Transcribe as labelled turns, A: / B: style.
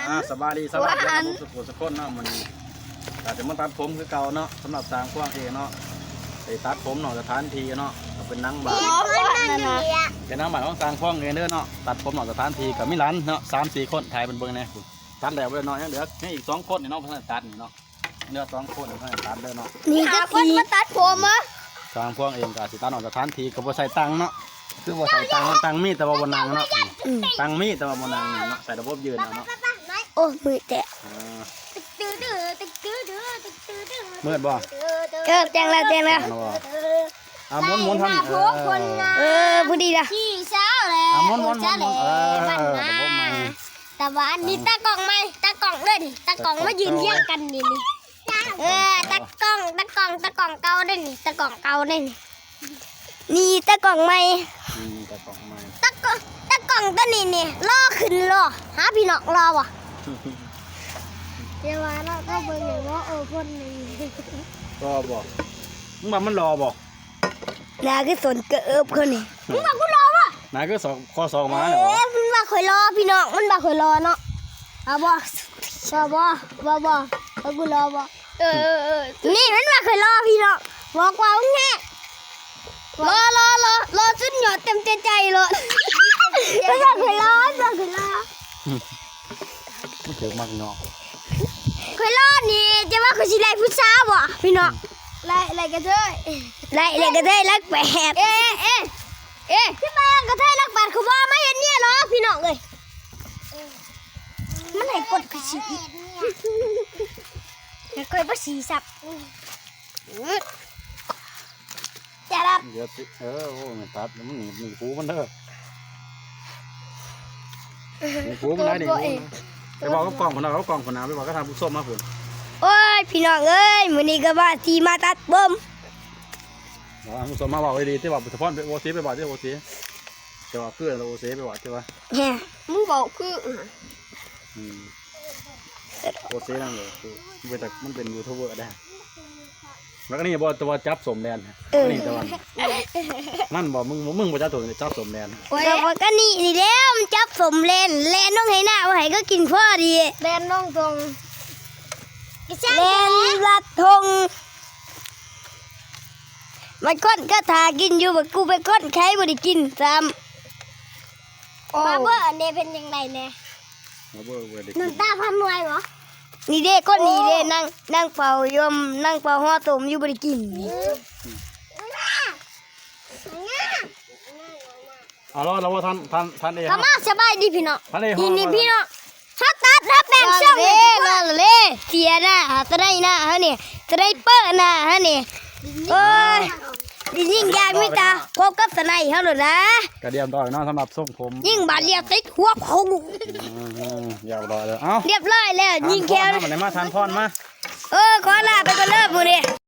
A: สบายดีสบายดีสุขคนเนาะมันแต่จะมาตัดผมคือเก่าเนาะสำหรับสร้างกว้างเองเนาะไปตัดผมเนาะสถานที่เนาะเป็นนั่งบาร์เป็นนั่งบาร์ของสร้างกว้างเองเด้อเนาะตัดผมเนาะสถานที่กับมิลันเนาะ3-4 คนถ่ายเป็นเบิ้งเนี่ยตัดแล้วเลยเนาะยังเหลือให้อีก2 คนนี่เนาะเพื่อนตัดนี่เนาะเหลือ2 คนเพื่อนตัดเด้อเนาะ
B: นี่จะคนมาตัดผมอ่ะ
A: สร้างกว้างเองกับสิตัดเนาะสถานที่กับบ่ใส่ตังเนาะคือบ่ใส่ตังมีแต่ว่าบนนางเนาะตังมีแต่ว่าบนนางเนาะใส่ระบบยืนเนาะ
B: โอ้มือแตะ
A: มืดบ่
B: แจงแล้ว
A: ม้วนทำ
B: พอดีละ
A: ม้วน
B: แต่ว่าอันนี้ตากล่องไหมตากล่องเลยดิตากล่องมายืนเทียงกันนี่ตากล่องเก่าได้นี่ตากล่องเก่าได้นี่ตากล่องใหม่ตากล่องตัวนี้ล่อขึ้นล่อหาพี่น้องรอวะเดี๋ยวว่าเราก็เบิ่งอย่างว่าคนนี้
A: รอบอกมึงบอกมันรอบอก
B: นาคือสนเกิบคนนี้มึงบอกกูรอวะ
A: นาคือข้อสองมาเหรอ
B: มันบอกคอยรอพี่น้องมันบอกคอยรอเนาะเอาบ่กูรอบ่นี่มันบอกคอยรอพี่น้องบอกว่ามึงแน่รอสุดยอดเต็มใจเลยมันบอกคอยรอ
A: มันเกิดมากเนาะ
B: คอยรอนี่จะว่าคอยสิไล่ผู้สาวบ่พี่น้องไล่กระเทยรักแปดพี่แม่กระเทยรักแปดเขาว่าไม่เห็นเนี่ยหรอพี่น้องเลยมันให้กดกระสีเคยภาษีสับจะรับ
A: เดี๋ยวโอ้มันตัดมันหนีหูมันเด้อหูมันได้ดิไปบอกก็กล่องคนเราก็กล่องคนน้ำไปบอกก็ทำผู้ส้มมาผุน
B: โอ้ยพี่น้องเอ้ยมื้อนี้ก็ว่าสีมาตัดบ่ม
A: ผู้ส้มมาบอกดีที่บอกเฉพาะโอซีไปบอกที่โอซีจะบอกเพื่อนเราโอซีไปบอกใช่ปะ
B: มึงบอกคือ
A: โอซีนั่นเลยคือมันเป็นยูทูบเบอร์ได้แล้วก็นี่บอกตัวจับสมแดนนี่ตัวนั่นบอกมึงบอกจับตัวจับสมแดน
B: แต่ว่าก็นี่เด้มจับสมเลนน้องให้หน้าว่าให้ก็กินพ่อดีเลนน้องทงเลนลัดทงมันก้นก็ทากินอยู่แบบกูไปก้นใครบ่ได้กินซ้ำมาเบอร์อันนี้เป็นยังไงเนี่ยน้ำตาพันหน่วยเหรอนี่เด้ก้นนี่เด้นั่งเป่ายมนั่งเป่าห่อตมอยู่บ่ได้กิน
A: เราว่าท่านเอง
B: มาสบายดีพี่น้องนี่พี่น้องถ้าแบ่งช่องเลยเสียหน้าจะได้หน้าฮะนี่จะได้เปิดหน้าฮะนี่โอ้ยยิ่งยากไม่ตาพบกับสไนเขาเลยนะ
A: กระเดียมต่อยน้องสำหรับส่งผม
B: ยิ่งบาดเรียบติดหัวพง
A: อยากรอเลย
B: เรียบร้อยแล้วยิ่งแค่
A: มาไหนมาทานพรมา
B: ขอลาไปก่อนเลิกมือเนี่ย